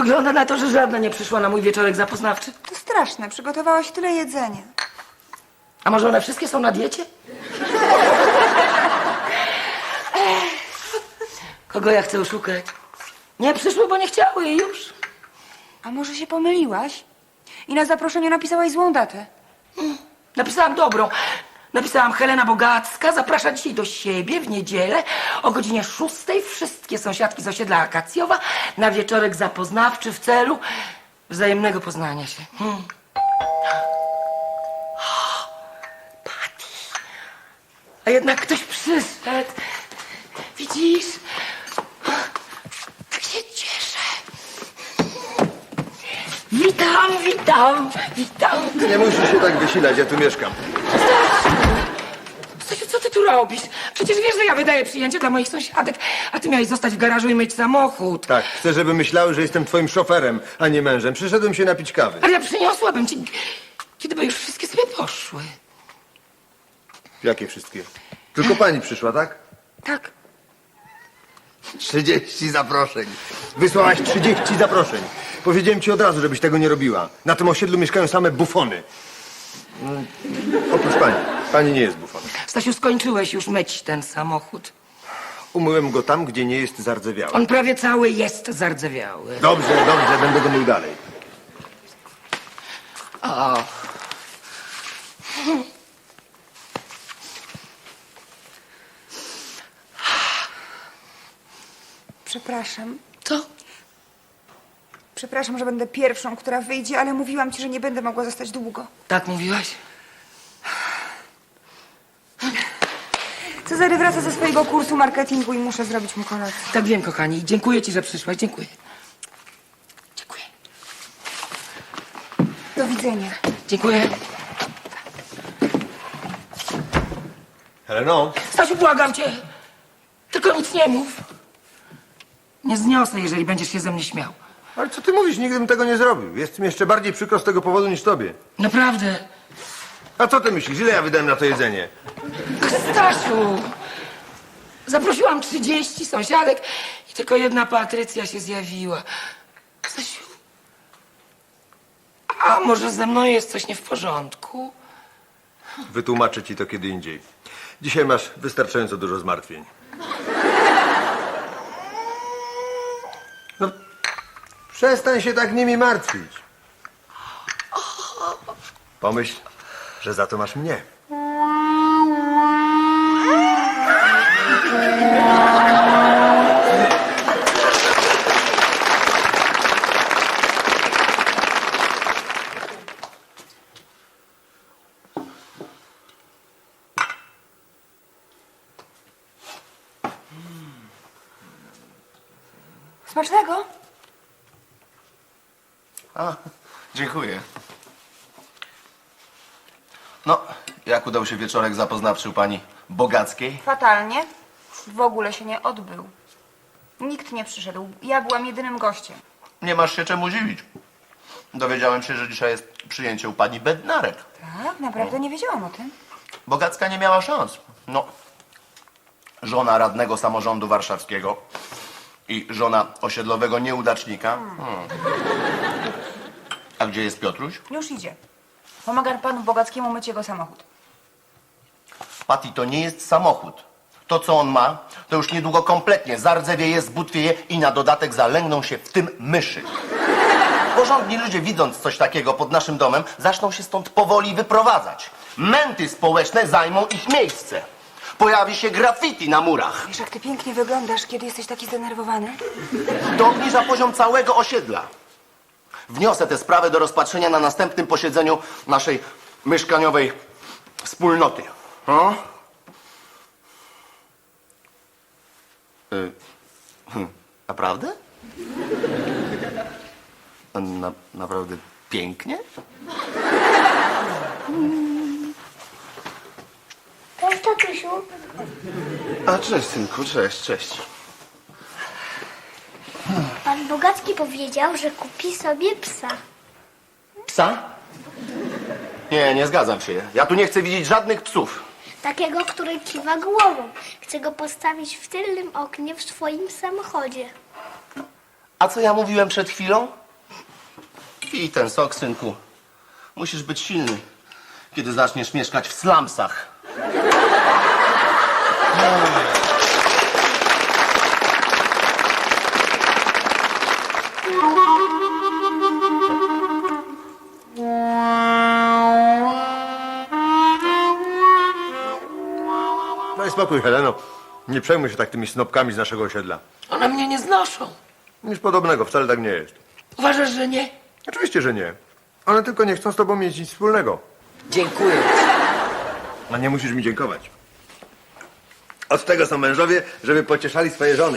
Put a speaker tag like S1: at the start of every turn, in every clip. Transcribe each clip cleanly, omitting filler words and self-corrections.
S1: Wygląda na to, że żadna nie przyszła na mój wieczorek zapoznawczy.
S2: To straszne, przygotowałaś tyle jedzenia.
S1: A może one wszystkie są na diecie? Kogo ja chcę oszukać? Nie przyszły, bo nie chciały i już.
S2: A może się pomyliłaś? I na zaproszeniu napisałaś złą datę.
S1: Napisałam dobrą. Napisałam: Helena Bogacka zaprasza dzisiaj do siebie w niedzielę o godzinie 6. Wszystkie sąsiadki z osiedla Akacjowa na wieczorek zapoznawczy w celu wzajemnego poznania się. Patty. A jednak ktoś przyszedł. Widzisz? Tak się cieszę. Witam.
S3: Nie musisz się tak wysilać, ja tu mieszkam.
S1: Stasiu, co ty tu robisz? Przecież wiesz, że ja wydaję przyjęcie dla moich sąsiadek, a ty miałeś zostać w garażu i myć samochód.
S3: Tak, chcę, żeby myślały, że jestem twoim szoferem, a nie mężem. Przyszedłem się napić kawy.
S1: Ale ja przyniosłabym ci, kiedy by już wszystkie sobie poszły.
S3: Jakie wszystkie? Tylko pani przyszła, tak?
S2: Tak.
S3: 30 zaproszeń. Wysłałaś 30 zaproszeń. Powiedziałem ci od razu, żebyś tego nie robiła. Na tym osiedlu mieszkają same bufony. Oprócz pani. Pani nie jest bufonem.
S1: Stasiu, skończyłeś już myć ten samochód.
S3: Umyłem go tam, gdzie nie jest zardzewiały.
S1: On prawie cały jest zardzewiały.
S3: Dobrze, będę go mył dalej.
S1: O.
S2: Przepraszam.
S1: Co?
S2: Przepraszam, że będę pierwszą, która wyjdzie, ale mówiłam ci, że nie będę mogła zostać długo.
S1: Tak mówiłaś?
S2: Cezary wraca ze swojego kursu marketingu i muszę zrobić mu kolację.
S1: Tak wiem, kochani. Dziękuję ci, że przyszłaś. Dziękuję. Dziękuję.
S2: Do widzenia.
S1: Dziękuję.
S3: Heleno?
S1: Stasiu, błagam cię. Tylko nic nie mów. Nie zniosę, jeżeli będziesz się ze mnie śmiał.
S3: Ale co ty mówisz? Nigdy bym tego nie zrobił. Jest mi jeszcze bardziej przykro z tego powodu niż tobie.
S1: Naprawdę.
S3: A co ty myślisz? Ile ja wydałem na to jedzenie?
S1: Stasiu, zaprosiłam 30 sąsiadek i tylko jedna Patrycja się zjawiła. Stasiu, a może ze mną jest coś nie w porządku?
S3: Wytłumaczę ci to kiedy indziej. Dzisiaj masz wystarczająco dużo zmartwień. No, przestań się tak nimi martwić. Pomyśl, że za to masz mnie.
S2: Smacznego?
S4: A, dziękuję. No, jak udał się wieczorek zapoznawczy u pani Bogackiej?
S2: Fatalnie. W ogóle się nie odbył. Nikt nie przyszedł. Ja byłam jedynym gościem.
S4: Nie masz się czemu dziwić. Dowiedziałem się, że dzisiaj jest przyjęcie u pani Bednarek.
S2: Tak? Naprawdę nie wiedziałam o tym.
S4: Bogacka nie miała szans. No, żona radnego samorządu warszawskiego i żona osiedlowego nieudacznika. A gdzie jest Piotruś?
S2: Już idzie. Pomagam panu Bogackiemu myć jego samochód.
S4: Patty, to nie jest samochód. To, co on ma, to już niedługo kompletnie zardzewieje, zbutwieje i na dodatek zalęgną się w tym myszy. Porządni ludzie, widząc coś takiego pod naszym domem, zaczną się stąd powoli wyprowadzać. Męty społeczne zajmą ich miejsce. Pojawi się graffiti na murach.
S2: Wiesz, jak ty pięknie wyglądasz, kiedy jesteś taki zdenerwowany?
S4: To obniża poziom całego osiedla. Wniosę tę sprawę do rozpatrzenia na następnym posiedzeniu naszej mieszkaniowej wspólnoty. O? Naprawdę? Naprawdę pięknie?
S5: Cześć, tatusiu.
S4: A cześć, synku, cześć.
S5: Pan Bogacki powiedział, że kupi sobie psa.
S4: Psa? Nie zgadzam się. Ja tu nie chcę widzieć żadnych psów.
S5: Takiego, który kiwa głową. Chcę go postawić w tylnym oknie w swoim samochodzie.
S4: A co ja mówiłem przed chwilą? Pij ten sok, synku. Musisz być silny, kiedy zaczniesz mieszkać w slumsach.
S3: Daj spokój, Heleno. Nie przejmuj się tak tymi snopkami z naszego osiedla.
S1: One mnie nie znoszą.
S3: Nic podobnego, wcale tak nie jest.
S1: Uważasz, że nie?
S3: Oczywiście, że nie. One tylko nie chcą z tobą mieć nic wspólnego.
S1: Dziękuję.
S3: A nie musisz mi dziękować. Od tego są mężowie, żeby pocieszali swoje żony.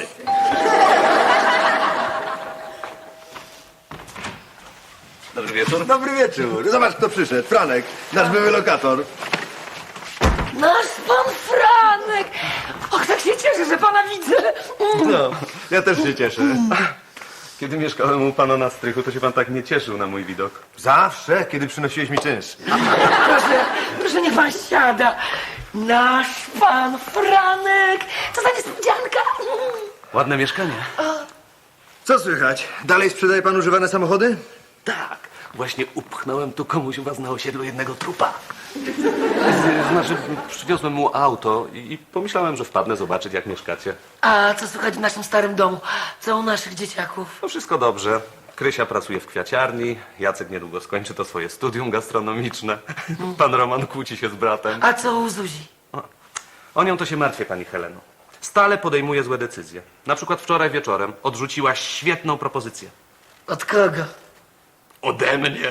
S6: Dobry wieczór.
S3: Dobry wieczór. Zobacz, kto przyszedł. Franek, nasz były lokator.
S1: Nasz pan Franek! Och, tak się cieszę, że pana widzę.
S3: No, ja też się cieszę.
S6: Kiedy mieszkałem u pana na strychu, to się pan tak nie cieszył na mój widok.
S3: Zawsze, kiedy przynosiłeś mi czynsz.
S1: Proszę, niech pan siada. Nasz pan Franek! Co za niespodzianka!
S6: Ładne mieszkanie.
S3: Co słychać? Dalej sprzedaje pan używane samochody?
S6: Tak. Właśnie upchnąłem tu komuś u was na osiedlu jednego trupa. Znaczy, przywiozłem mu auto i pomyślałem, że wpadnę zobaczyć, jak mieszkacie.
S1: A co słychać w naszym starym domu? Co u naszych dzieciaków?
S6: No wszystko dobrze. Krysia pracuje w kwiaciarni, Jacek niedługo skończy to swoje studium gastronomiczne. Pan Roman kłóci się z bratem.
S1: A co u Zuzi?
S6: O nią to się martwię, pani Heleno. Stale podejmuje złe decyzje. Na przykład wczoraj wieczorem odrzuciła świetną propozycję.
S1: Od kogo?
S6: Ode mnie.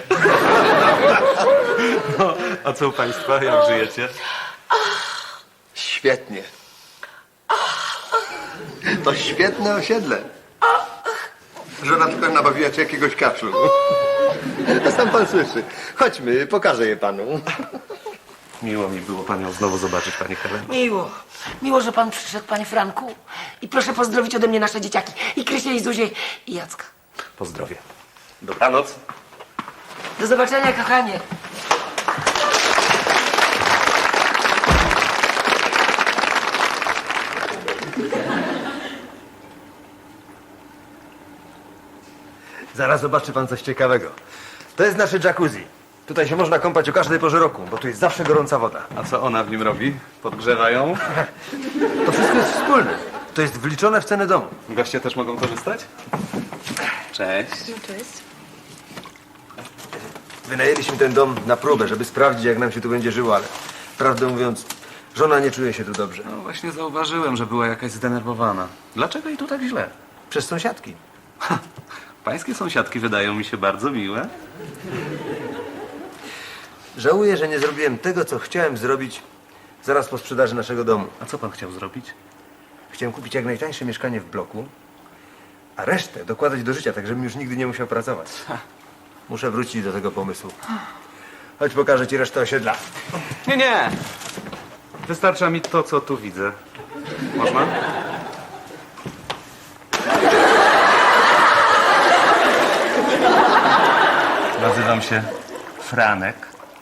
S6: No, a co u państwa? Jak żyjecie?
S3: Świetnie. To świetne osiedle. Żona tylko nabawiła ci jakiegoś kaszlu. To sam pan słyszy. Chodźmy, pokażę je panu.
S6: Miło mi było panią znowu zobaczyć, pani Heleno.
S1: Miło. Miło, że pan przyszedł, panie Franku. I proszę pozdrowić ode mnie nasze dzieciaki. I Krysię, i Zuzię, i Jacka.
S6: Pozdrowie. Dobranoc.
S1: Do zobaczenia, kochanie.
S3: Zaraz zobaczy pan coś ciekawego. To jest nasze jacuzzi. Tutaj się można kąpać o każdej porze roku, bo tu jest zawsze gorąca woda.
S6: A co ona w nim robi? Podgrzewa ją?
S3: To wszystko jest wspólne. To jest wliczone w cenę domu.
S6: Goście też mogą korzystać? Cześć.
S3: Wynajęliśmy ten dom na próbę, żeby sprawdzić, jak nam się tu będzie żyło, ale prawdę mówiąc, żona nie czuje się tu dobrze.
S6: No właśnie zauważyłem, że była jakaś zdenerwowana. Dlaczego jej tu tak źle?
S3: Przez sąsiadki.
S6: Pańskie sąsiadki wydają mi się bardzo miłe.
S3: Żałuję, że nie zrobiłem tego, co chciałem zrobić zaraz po sprzedaży naszego domu.
S6: A co pan chciał zrobić?
S3: Chciałem kupić jak najtańsze mieszkanie w bloku, a resztę dokładać do życia, tak żebym już nigdy nie musiał pracować. Muszę wrócić do tego pomysłu. Chodź, pokażę ci resztę osiedla.
S6: Nie, nie. Wystarcza mi to, co tu widzę. Można? Nazywam się Franek.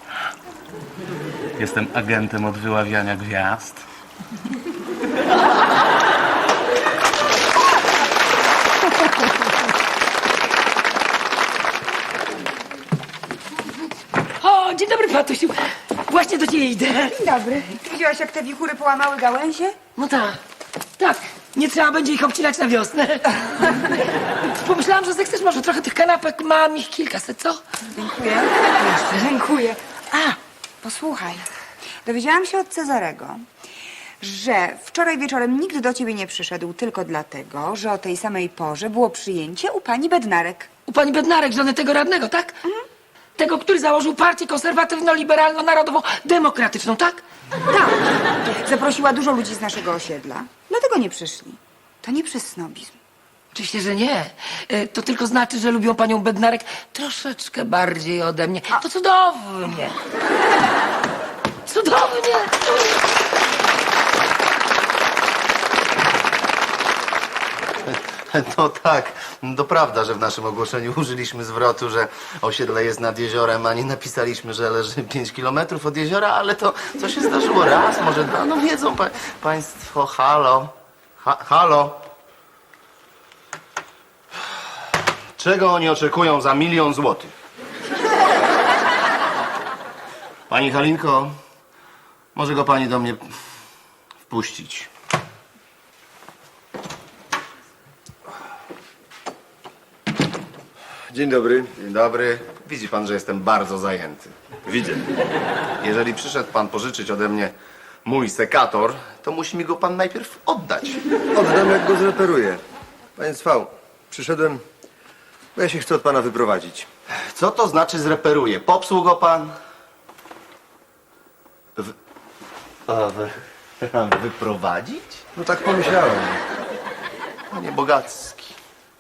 S6: Jestem agentem od wyławiania gwiazd.
S1: O, dzień dobry, Patusiu. Właśnie do ciebie idę.
S2: Dzień dobry. Widziałaś, jak te wichury połamały gałęzie?
S1: No tak, tak. Nie trzeba będzie ich obcinać na wiosnę. Pomyślałam, że zechcesz może trochę tych kanapek. Mam ich kilkaset, co?
S2: Dziękuję. Jeszcze dziękuję. A, posłuchaj. Dowiedziałam się od Cezarego, że wczoraj wieczorem nikt do ciebie nie przyszedł tylko dlatego, że o tej samej porze było przyjęcie u pani Bednarek.
S1: U pani Bednarek, żony tego radnego, tak? Tego, który założył partię konserwatywno-liberalno-narodowo-demokratyczną, tak?
S2: Tak. Zaprosiła dużo ludzi z naszego osiedla. Dlatego nie przyszli. To nie przez snobizm.
S1: Oczywiście, że nie. To tylko znaczy, że lubią panią Bednarek troszeczkę bardziej ode mnie. To cudownie. Cudownie.
S4: No tak, to prawda, że w naszym ogłoszeniu użyliśmy zwrotu, że osiedle jest nad jeziorem, a nie napisaliśmy, że leży 5 kilometrów od jeziora, ale to co się zdarzyło raz, może dwa, no wiedzą państwo, halo, halo. Czego oni oczekują za 1 000 000 złotych? Pani Halinko, może go pani do mnie wpuścić.
S3: Dzień dobry.
S4: Dzień dobry. Widzi pan, że jestem bardzo zajęty.
S3: Widzę.
S4: Jeżeli przyszedł pan pożyczyć ode mnie mój sekator, to musi mi go pan najpierw oddać.
S3: Oddam, jak go zreperuję. Panie Cwał, przyszedłem, bo ja się chcę od pana wyprowadzić.
S4: Co to znaczy zreperuje? Popsuł go pan? Wyprowadzić?
S3: No tak pomyślałem.
S4: Panie Bogacki.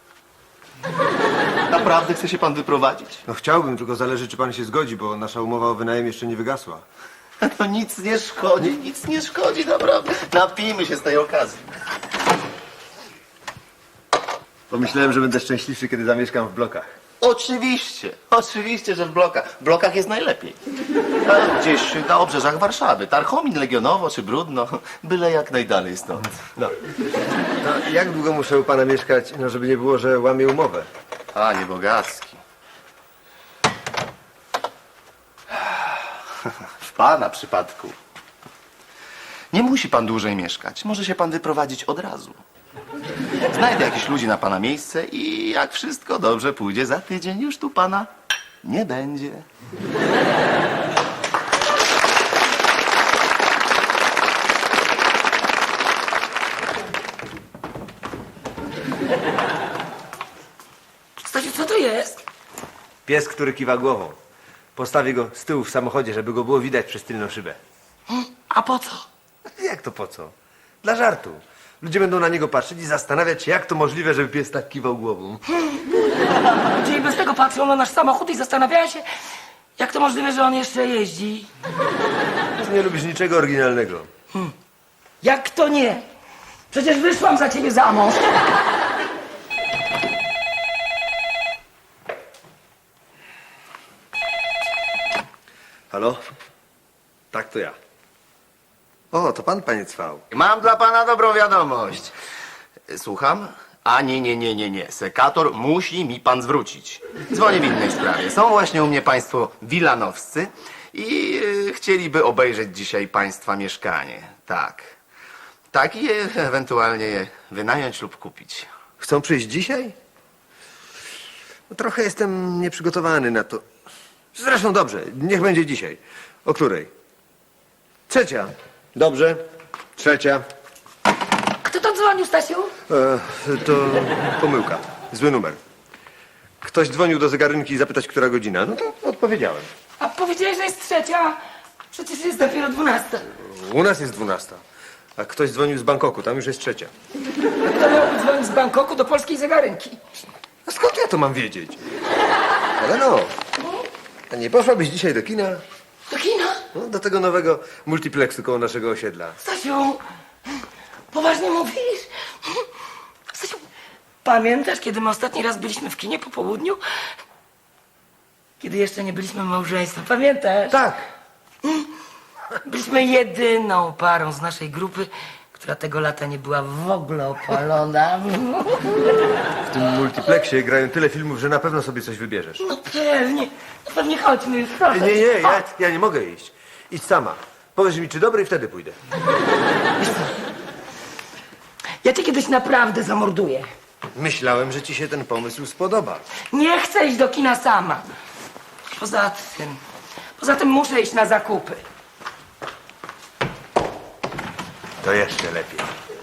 S4: Naprawdę chce się pan wyprowadzić?
S3: No chciałbym, tylko zależy, czy pan się zgodzi, bo nasza umowa o wynajem jeszcze nie wygasła.
S4: No nic nie szkodzi, naprawdę. Napijmy się z tej okazji.
S3: Pomyślałem, że będę szczęśliwszy, kiedy zamieszkam w blokach.
S4: Oczywiście, że w blokach. W blokach jest najlepiej. A gdzieś na obrzeżach Warszawy. Tarchomin, Legionowo czy Brudno. Byle jak najdalej stąd.
S3: No. No, jak długo muszę u pana mieszkać, no żeby nie było, że łamię umowę?
S4: Panie Bogacki. W pana przypadku. Nie musi pan dłużej mieszkać. Może się pan wyprowadzić od razu. Znajdę jakichś ludzi na pana miejsce i jak wszystko dobrze pójdzie, za tydzień już tu pana nie będzie.
S1: Stasiu, co to jest?
S3: Pies, który kiwa głową. Postawię go z tyłu w samochodzie, żeby go było widać przez tylną szybę.
S1: A po co?
S3: Jak to po co? Dla żartu. Ludzie będą na niego patrzeć i zastanawiać się, jak to możliwe, żeby pies tak kiwał głową.
S1: Ludzie i bez tego patrzą na nasz samochód i zastanawiają się, jak to możliwe, że on jeszcze jeździ.
S3: Nie lubisz niczego oryginalnego.
S1: Jak to nie? Przecież wyszłam za ciebie za mąż.
S3: Halo? Tak, to ja. O, to pan, panie Cwał.
S4: Mam dla pana dobrą wiadomość. Słucham? A nie. Sekator musi mi pan zwrócić. Dzwonię w innej sprawie. Są właśnie u mnie państwo wilanowscy i chcieliby obejrzeć dzisiaj państwa mieszkanie. Tak. Tak i ewentualnie je wynająć lub kupić.
S3: Chcą przyjść dzisiaj? No, trochę jestem nieprzygotowany na to. Zresztą dobrze, niech będzie dzisiaj. O której? 3. Dobrze. 3.
S1: Kto to dzwonił, Stasiu?
S3: To pomyłka. Zły numer. Ktoś dzwonił do zegarynki zapytać, która godzina. No to odpowiedziałem.
S1: A powiedziałeś, że jest 3. Przecież jest dopiero 12.
S3: U nas jest 12. A ktoś dzwonił z Bangkoku, tam już jest 3.
S1: Kto miałby dzwonić z Bangkoku do polskiej zegarynki?
S3: A skąd ja to mam wiedzieć? Ale no. A nie poszłabyś dzisiaj do kina?
S1: Do kina?
S3: No, do tego nowego multiplexu koło naszego osiedla.
S1: Stasiu, poważnie mówisz? Stasiu, pamiętasz, kiedy my ostatni raz byliśmy w kinie po południu? Kiedy jeszcze nie byliśmy małżeństwem, pamiętasz?
S3: Tak.
S1: Byliśmy jedyną parą z naszej grupy, która tego lata nie była w ogóle opalona.
S3: W tym multiplexie grają tyle filmów, że na pewno sobie coś wybierzesz.
S1: No pewnie chodźmy już, proszę.
S3: Nie, ja nie mogę iść. Idź sama. Powiedz mi, czy dobry i wtedy pójdę.
S1: Ja cię kiedyś naprawdę zamorduję.
S3: Myślałem, że ci się ten pomysł spodoba.
S1: Nie chcę iść do kina sama. Poza tym muszę iść na zakupy.
S3: To jeszcze lepiej.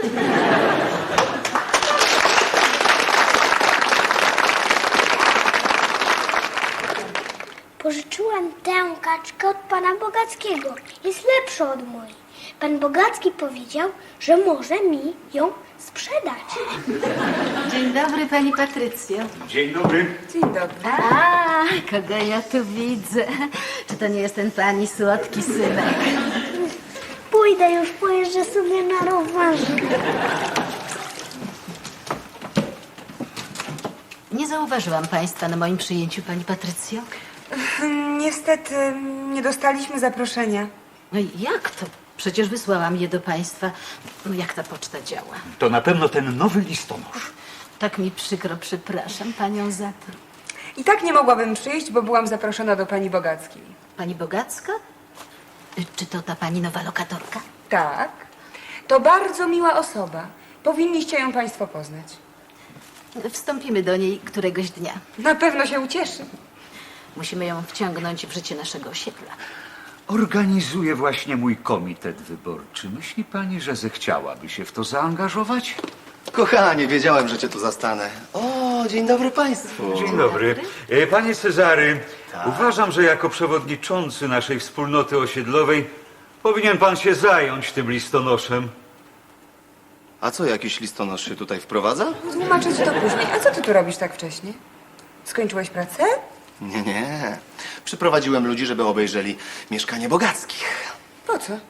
S5: Pożyczyłam tę kaczkę od pana Bogackiego. Jest lepsza od mojej. Pan Bogacki powiedział, że może mi ją sprzedać.
S7: Dzień dobry, pani Patrycjo.
S2: Dzień dobry.
S7: A, kogo ja tu widzę? Czy to nie jest ten pani słodki synek?
S5: Pójdę już, pojeżdżę sobie na rowerze.
S7: Nie zauważyłam państwa na moim przyjęciu, pani Patrycjo.
S2: Niestety nie dostaliśmy zaproszenia.
S7: No i jak to? Przecież wysłałam je do państwa. No jak ta poczta działa?
S8: To na pewno ten nowy listonosz.
S7: Tak mi przykro, przepraszam panią za to.
S2: I tak nie mogłabym przyjść, bo byłam zaproszona do pani Bogackiej.
S7: Pani Bogacka? Czy to ta pani nowa lokatorka?
S2: Tak. To bardzo miła osoba. Powinniście ją państwo poznać.
S7: Wstąpimy do niej któregoś dnia.
S2: Na pewno się ucieszy.
S7: Musimy ją wciągnąć w życie naszego osiedla.
S8: Organizuje właśnie mój komitet wyborczy. Myśli pani, że zechciałaby się w to zaangażować?
S4: Kochanie, wiedziałem, że cię tu zastanę. O, dzień dobry państwu.
S8: Dzień dobry. Panie Cezary, uważam, że jako przewodniczący naszej wspólnoty osiedlowej powinien pan się zająć tym listonoszem.
S4: A co, jakiś listonosz się tutaj wprowadza?
S2: Tłumaczę ci to później. A co ty tu robisz tak wcześnie? Skończyłeś pracę?
S4: Nie, nie. Przyprowadziłem ludzi, żeby obejrzeli mieszkanie Bogackich.
S2: Po co?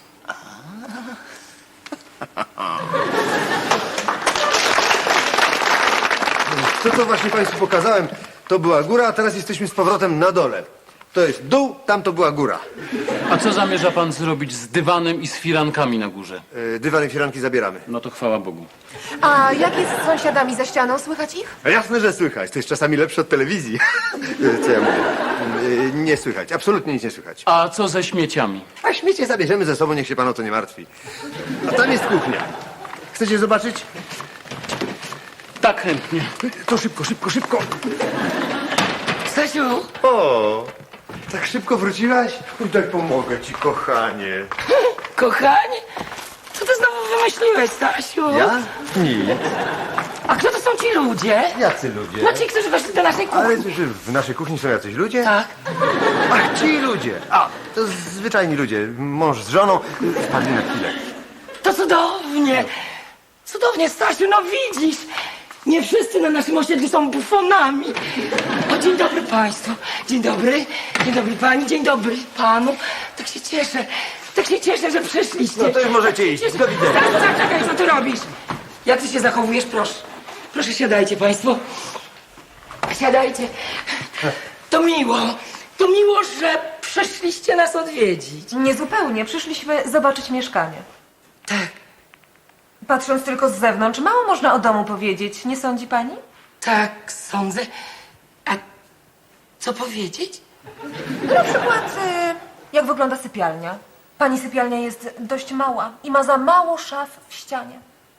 S3: To, co właśnie państwu pokazałem, to była góra, a teraz jesteśmy z powrotem na dole. To jest dół, tam to była góra.
S9: A co zamierza pan zrobić z dywanem i z firankami na górze?
S3: Dywan i firanki zabieramy.
S9: No to chwała Bogu.
S10: A jak jest z sąsiadami za ścianą? Słychać ich?
S3: A jasne, że słychać. To jest czasami lepsze od telewizji. Co ja mówię? Nie słychać. Absolutnie nic nie słychać.
S9: A co ze śmieciami?
S3: A śmiecie zabierzemy ze sobą, niech się pan o to nie martwi. A tam jest kuchnia. Chcecie zobaczyć?
S9: Tak, chętnie.
S3: To szybko, szybko, szybko.
S1: Stasiu,
S3: O, tak szybko wróciłaś? Daj pomogę ci, kochanie.
S1: kochanie, co ty znowu wymyśliłeś, Stasiu?
S3: Ja? Nic.
S1: A kto to są ci ludzie?
S3: Jacy ludzie?
S1: No ci, którzy weszli do naszej
S3: Ale
S1: kuchni.
S3: że w naszej kuchni są jacyś ludzie?
S1: Tak.
S3: Ach, ci ludzie. A, to zwyczajni ludzie. Mąż z żoną wpadli na chwilę.
S1: To cudownie. Cudownie, Stasiu, no widzisz. Nie wszyscy na naszym osiedlu są bufonami. O, dzień dobry państwu. Dzień dobry. Dzień dobry pani. Dzień dobry panu. Tak się cieszę. Tak się cieszę, że przyszliście.
S3: No to już możecie iść. Do widzenia.
S1: Stasiu, zaczekaj, co ty robisz? Jak ty się zachowujesz? Proszę. Proszę, siadajcie państwo. Siadajcie. To miło. To miło, że przyszliście nas odwiedzić.
S10: Niezupełnie. Przyszliśmy zobaczyć mieszkanie.
S1: Tak.
S10: Patrząc tylko z zewnątrz, mało można o domu powiedzieć, nie sądzi pani?
S1: Tak, sądzę. A co powiedzieć?
S10: Na przykład, jak wygląda sypialnia. Pani sypialnia jest dość mała i ma za mało szaf w ścianie.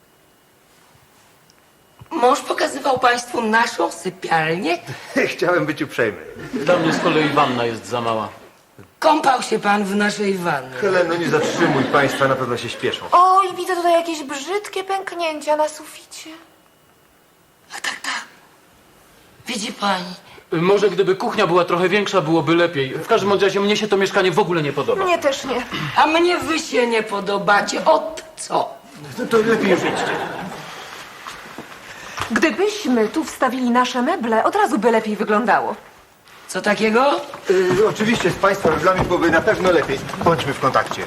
S1: Mąż pokazywał państwu naszą sypialnię.
S3: Chciałem być uprzejmy.
S9: Dla mnie z kolei wanna jest za mała.
S1: Kąpał się pan w naszej wannie.
S3: Heleno, nie zatrzymuj państwa, na pewno się śpieszą.
S10: Oj, widzę tutaj jakieś brzydkie pęknięcia na suficie.
S1: A tak, tak. Widzi pani.
S9: Może gdyby kuchnia była trochę większa, byłoby lepiej. W każdym razie mnie się to mieszkanie w ogóle nie podoba.
S10: Mnie też nie.
S1: A mnie wy się nie podobacie. Od co?
S3: To lepiej już idźcie.
S10: Gdybyśmy tu wstawili nasze meble, od razu by lepiej wyglądało.
S1: Co takiego?
S3: Oczywiście z państwa meblami byłoby na pewno lepiej. Bądźmy w kontakcie.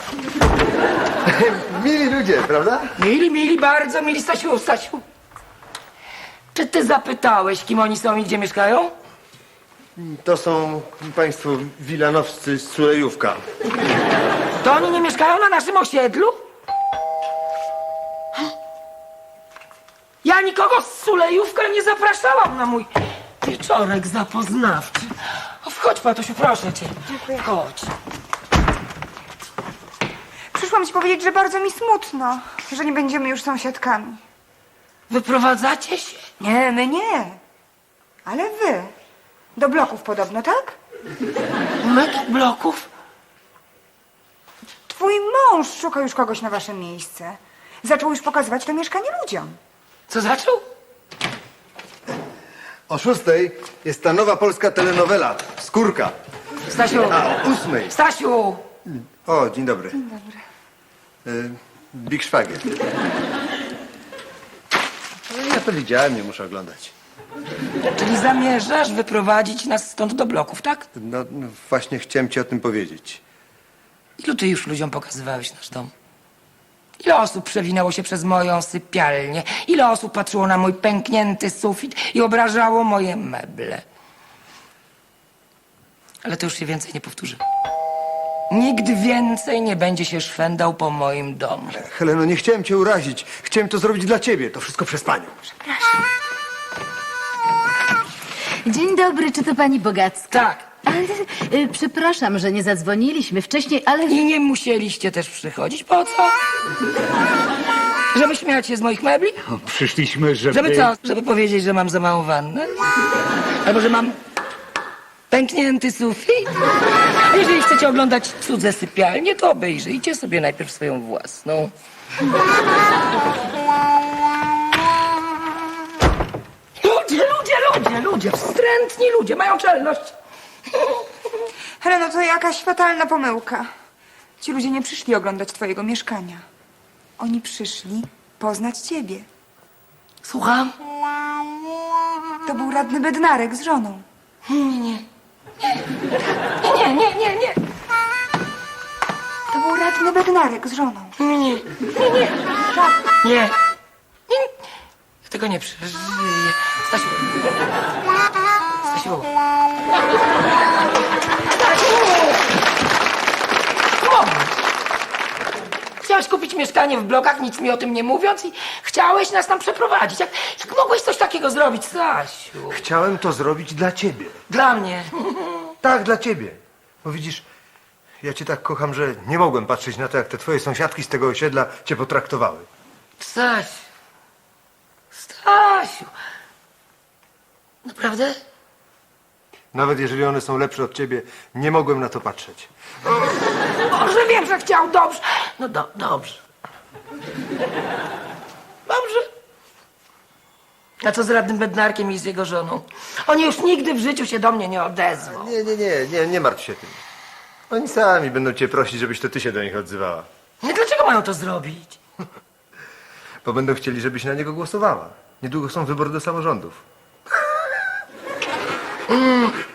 S3: Mili ludzie, prawda?
S1: Mili, mili, bardzo mili. Stasiu, Stasiu. Czy ty zapytałeś, kim oni są i gdzie mieszkają?
S3: To są państwo wilanowscy z Sulejówka.
S1: To oni nie mieszkają na naszym osiedlu? Ja nikogo z Sulejówka nie zapraszałam na mój wieczorek zapoznawczy. O, wchodź, Patusiu, proszę cię.
S2: Dziękuję.
S1: Chodź.
S2: Przyszłam ci powiedzieć, że bardzo mi smutno, że nie będziemy już sąsiadkami.
S1: Wyprowadzacie się?
S2: Nie, my nie. Ale wy. Do bloków podobno, tak?
S1: My do bloków?
S2: Twój mąż szuka już kogoś na wasze miejsce. Zaczął już pokazywać to mieszkanie ludziom.
S1: Co zaczął?
S3: O 6:00 jest ta nowa polska telenowela, Skórka.
S1: Stasiu.
S3: A o 8:00.
S1: Stasiu.
S3: O, dzień dobry. Dzień dobry. Big Szwagier. Ja to widziałem, nie muszę oglądać.
S1: Czyli zamierzasz wyprowadzić nas stąd do bloków, tak?
S3: No właśnie chciałem ci o tym powiedzieć.
S1: Ilu ty już ludziom pokazywałeś nasz dom? Ile osób przewinęło się przez moją sypialnię? Ile osób patrzyło na mój pęknięty sufit i obrażało moje meble? Ale to już się więcej nie powtórzy. Nikt więcej nie będzie się szwendał po moim domu.
S3: Heleno, nie chciałem cię urazić. Chciałem to zrobić dla ciebie. To wszystko przez panią.
S7: Dzień dobry, czy to pani Bogacka?
S1: Tak.
S7: Przepraszam, że nie zadzwoniliśmy wcześniej, ale...
S1: I nie musieliście też przychodzić. Po co? Żeby śmiać się z moich mebli?
S8: Przyszliśmy,
S1: Żeby co? Żeby powiedzieć, że mam za małą wannę? Albo że mam pęknięty sufit? A jeżeli chcecie oglądać cudze sypialnie, to obejrzyjcie sobie najpierw swoją własną. Ludzie, wstrętni ludzie, mają czelność.
S2: Heleno, to jakaś fatalna pomyłka. Ci ludzie nie przyszli oglądać twojego mieszkania. Oni przyszli poznać ciebie.
S1: Słucham?
S2: To był radny Bednarek z żoną.
S1: Nie.
S2: To był radny Bednarek z żoną.
S1: Nie. Tego nie przeżyję. Stasiu. Chciałeś kupić mieszkanie w blokach, nic mi o tym nie mówiąc i chciałeś nas tam przeprowadzić. Jak mogłeś coś takiego zrobić, Stasiu?
S3: Chciałem to zrobić dla ciebie.
S1: Dla mnie.
S3: Tak, dla ciebie. Bo widzisz, ja cię tak kocham, że nie mogłem patrzeć na to, jak te twoje sąsiadki z tego osiedla cię potraktowały.
S1: Stasiu. Naprawdę?
S3: Nawet jeżeli one są lepsze od ciebie, nie mogłem na to patrzeć.
S1: Może wiem, że chciał, dobrze. No dobrze. Dobrze. A co z radnym Bednarkiem i z jego żoną? Oni już nigdy w życiu się do mnie nie odezwą.
S3: Nie martw się tym. Oni sami będą cię prosić, żebyś to ty się do nich odzywała.
S1: Nie, dlaczego mają to zrobić?
S3: Bo będą chcieli, żebyś na niego głosowała. Niedługo są wybory do samorządów.